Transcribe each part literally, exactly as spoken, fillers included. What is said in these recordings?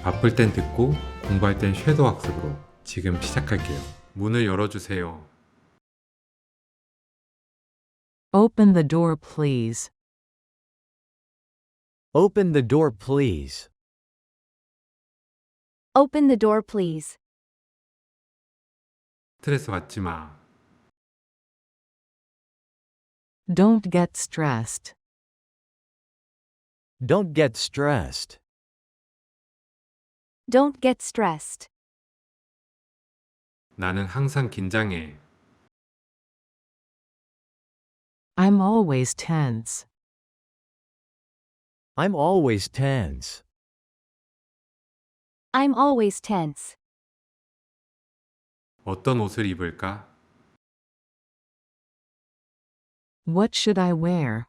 바쁠 땐 듣고 공부할 땐 섀도우 학습으로 지금 시작할게요. 문을 열어주세요. Open the door, please. Open the door, please. Open the door, please. 스트레스 받지 마. Don't get stressed. Don't get stressed. Don't get stressed. 나는 항상 긴장해. I'm always tense. I'm always tense. I'm always tense. 어떤 옷을 입을까? What should I wear?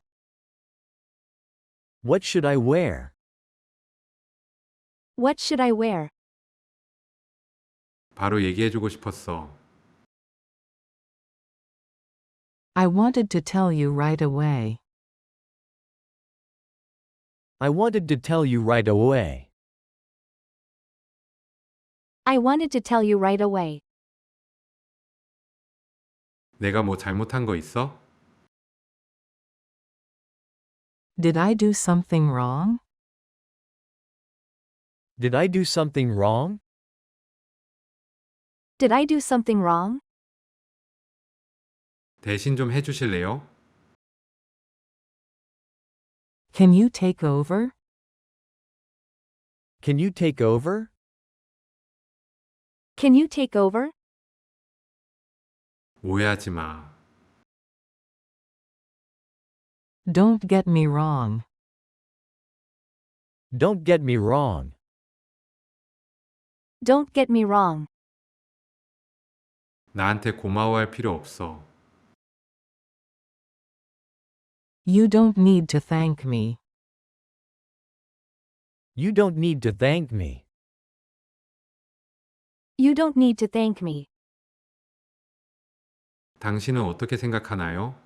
What should I wear? What should I wear? 바로 얘기해주고 싶었어. I wanted to tell you right away. I wanted to tell you right away. I wanted to tell you right away. 내가 뭐 잘못한 거 있어? Did I do something wrong? Did I do something wrong? Did I do something wrong? 대신 좀 해주실래요? Can you take over? Can you take over? Can you take over? 오해하지 마. Don't get me wrong. Don't get me wrong. Don't get me wrong. 나한테 고마워할 필요 없어. You don't need to thank me. You don't need to thank me. You don't need to thank me. 당신은 어떻게 생각하나요?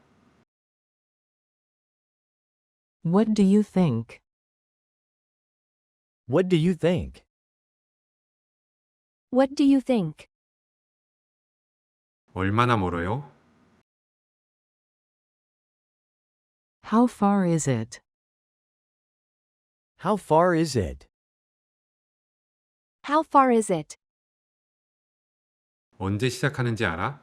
What do you think? What do you think? What do you think? 얼마나 멀어요? How far is it? How far is it? How far is it? 언제 시작하는지 알아?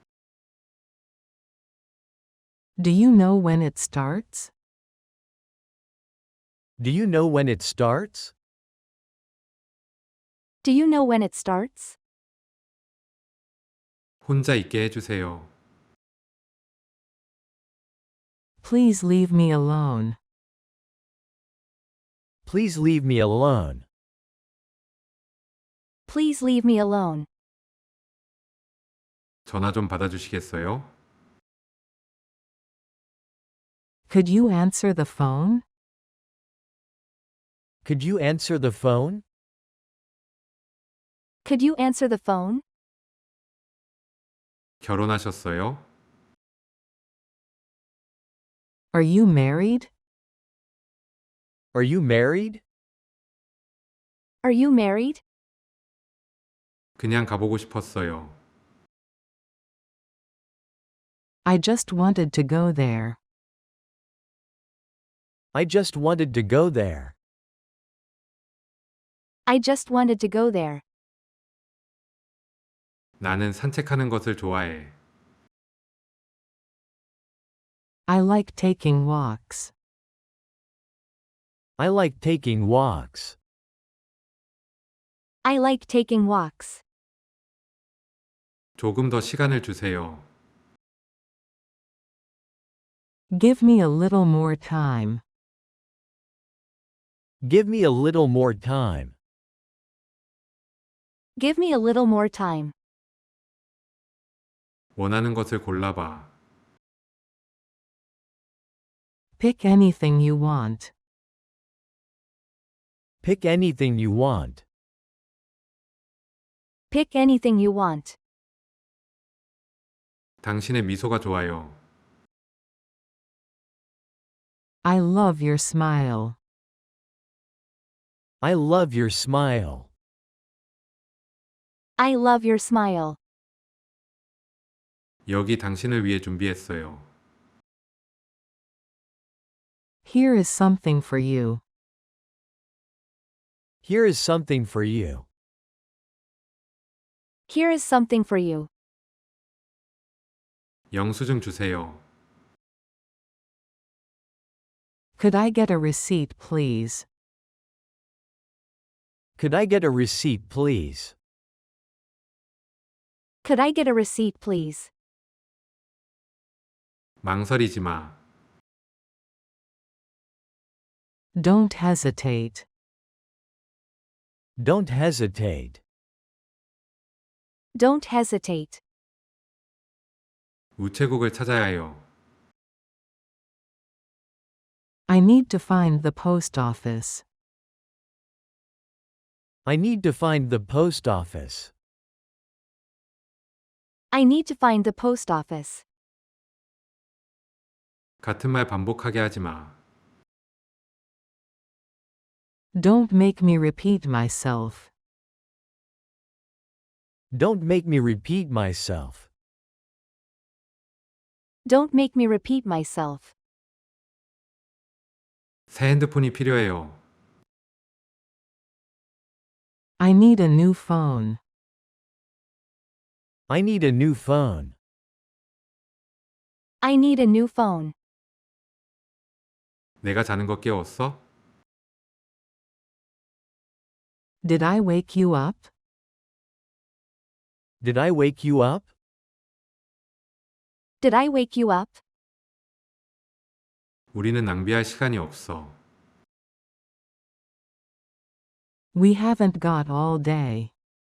Do you know when it starts? Do you know when it starts? Do you know when it starts? 혼자 있게 해주세요. Please leave me alone. Please leave me alone. Please leave me alone. 전화 좀 받아주시겠어요? Could you answer the phone? Could you answer the phone? Could you answer the phone? 결혼하셨어요? Are you married? Are you married? Are you married? 그냥 가보고 싶었어요. I just wanted to go there. I just wanted to go there. I just wanted to go there. 나는 산책하는 것을 좋아해. I like taking walks. I like taking walks. I like taking walks. 조금 더 시간을 주세요. Give me a little more time. Give me a little more time. Give me a little more time. 원하는 것을 골라봐. Pick anything you want. Pick anything you want. Pick anything you want. 당신의 미소가 좋아요. I love your smile. I love your smile. I love your smile. 여기 당신을 위해 준비했어요. Here is something for you. Here is something for you. Here is something for you. 영수증 주세요. Could I get a receipt, please? Could I get a receipt, please? Could I get a receipt, please? 망설이지 마. Don't hesitate. Don't hesitate. Don't hesitate. 우체국을 찾아야 해요. I need to find the post office. I need to find the post office. I need to find the post office. 같은 말 반복하게 하지 마. Don't make me repeat myself. Don't make me repeat myself. Don't make me repeat myself. 새 핸드폰이 필요해요. I need a new phone. I need a new phone. I need a new phone. 내가 자는 거 깨웠어? Did I wake you up? Did I wake you up? Did I wake you up? 우리는 낭비할 시간이 없어. We haven't got all day.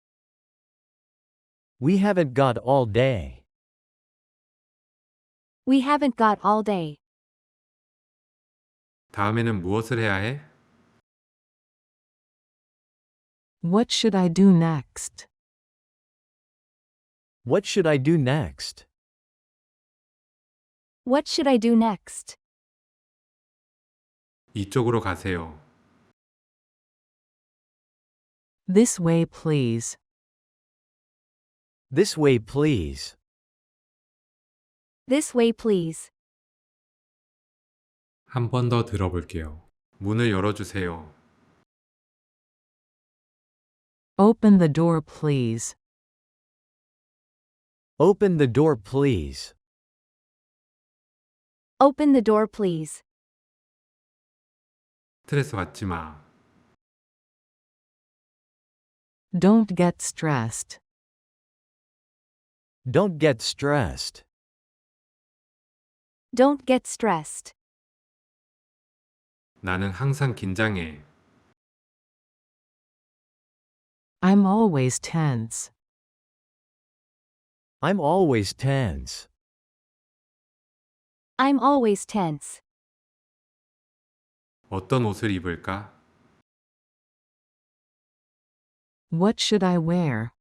We haven't got all day. We haven't got all day. 다음에는 무엇을 해야 해? What should I do next? What should I do next? What should I do next? 이쪽으로 가세요. This way, please. This way, please. This way, please. 한 번 더 들어볼게요. 문을 열어주세요. Open the door, please. Open the door, please. Open the door, please. 스트레스 받지 마. Don't get stressed. Don't get stressed. Don't get stressed. 나는 항상 긴장해. I'm always tense. I'm always tense. I'm always tense. 어떤 옷을 입을까? What should I wear?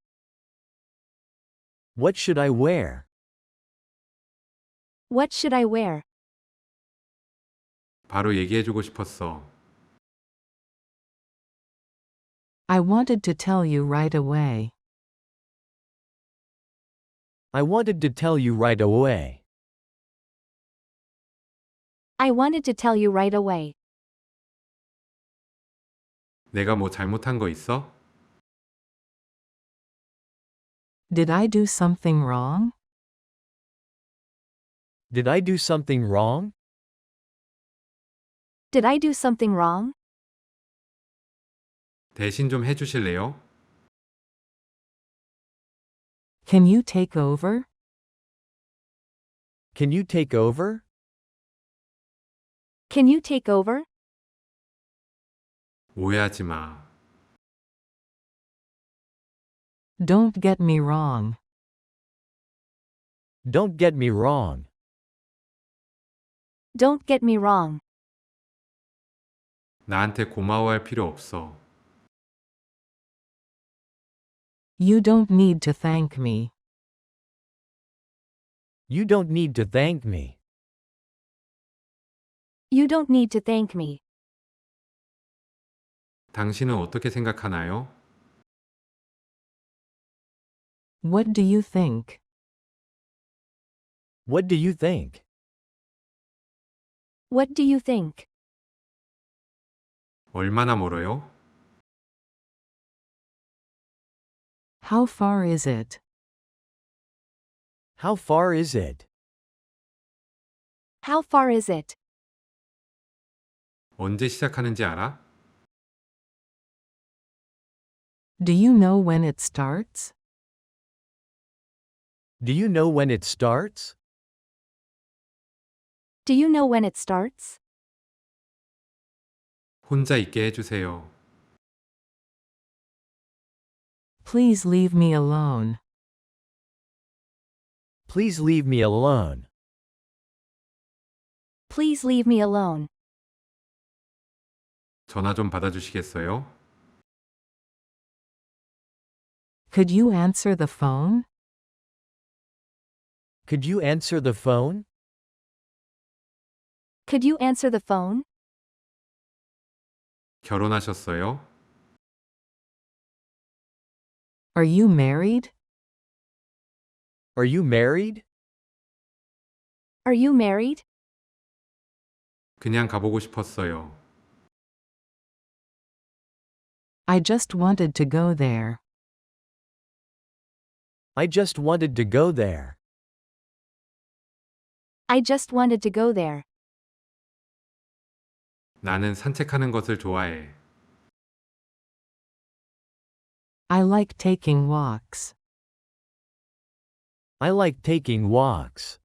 What should I wear? What should I wear? 바로 얘기해주고 싶었어. I wanted to tell you right away. I wanted to tell you right away. I wanted to tell you right away. 내가 뭐 잘못한 거 있어? Did I do something wrong? Did I do something wrong? Did I do something wrong? 대신 좀 해주실래요? Can you take over? Can you take over? Can you take over? 오해하지 마. Don't get me wrong. Don't get me wrong. Don't get me wrong. 나한테 고마워할 필요 없어. You don't need to thank me. You don't need to thank me. You don't need to thank me. 당신은 어떻게 생각하나요? What do you think? What do you think? What do you think? 얼마나 멀어요? How far is it? How far is it? How far is it? 언제 시작하는지 알아? Do you know when it starts? Do you know when it starts? Do you know when it starts? 혼자 있게 해주세요. Please leave me alone. Please leave me alone. Please leave me alone. 전화 좀 받아주시겠어요? Could you answer the phone? Could you answer the phone? Could you answer the phone? 결혼하셨어요? Are you married? Are you married? Are you married? 그냥 가보고 싶었어요. I just wanted to go there. I just wanted to go there. I just wanted to go there. 나는 산책하는 것을 좋아해. I like taking walks. I like taking walks.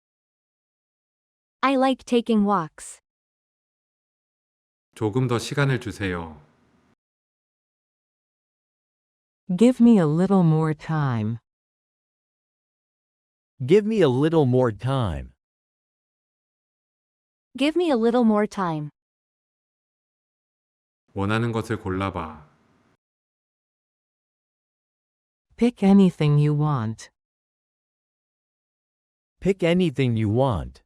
I like taking walks. 조금 더 시간을 주세요. Give me a little more time. Give me a little more time. Give me a little more time. 원하는 것을 골라봐. Pick anything you want. Pick anything you want.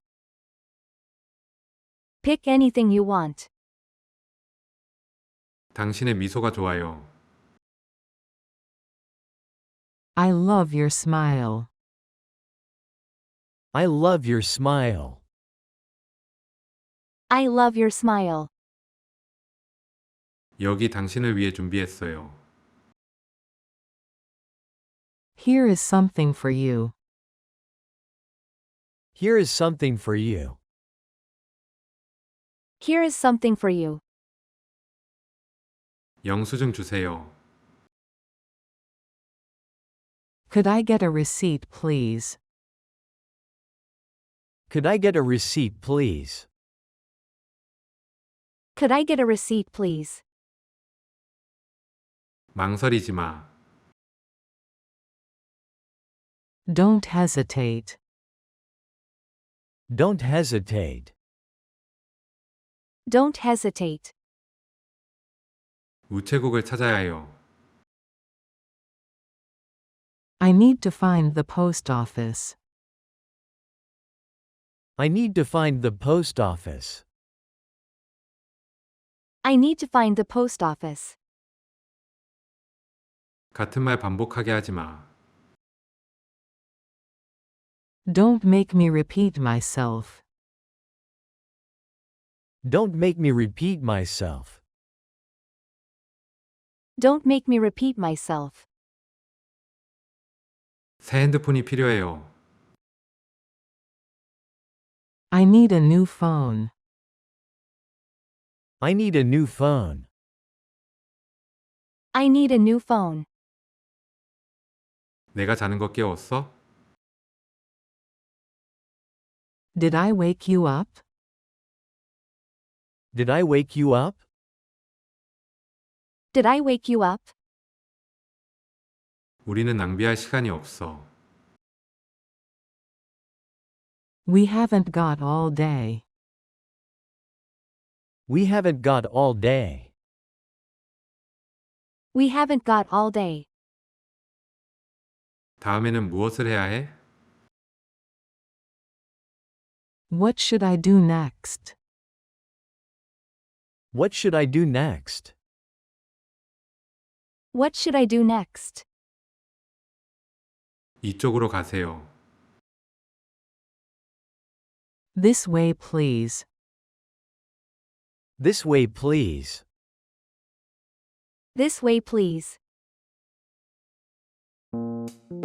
Pick anything you want. 당신의 미소가 좋아요. I love your smile. I love your smile. I love your smile. 여기 당신을 위해 준비했어요. Here is something for you. Here is something for you. Here is something for you. 영수증 주세요. Could I get a receipt, please? Could I get a receipt, please? Could I get a receipt, please? 망설이지 마. Don't hesitate. Don't hesitate. Don't hesitate. 우체국을 찾아야 해요. I need to find the post office. I need to find the post office. I need to find the post office. 같은 말 반복하게 하지 마. Don't make me repeat myself. Don't make me repeat myself. Don't make me repeat myself. 새 핸드폰이 필요해요. I need a new phone. I need a new phone. I need a new phone. 내가 자는 거 깨웠어? Did I wake you up? Did I wake you up? Did I wake you up? 우리는 낭비할 시간이 없어. We haven't got all day. We haven't got all day. We haven't got all day. 다음에는 무엇을 해야 해? What should I do next? What should I do next? What should I do next? 이쪽으로 가세요. This way, please. This way, please. This way, please.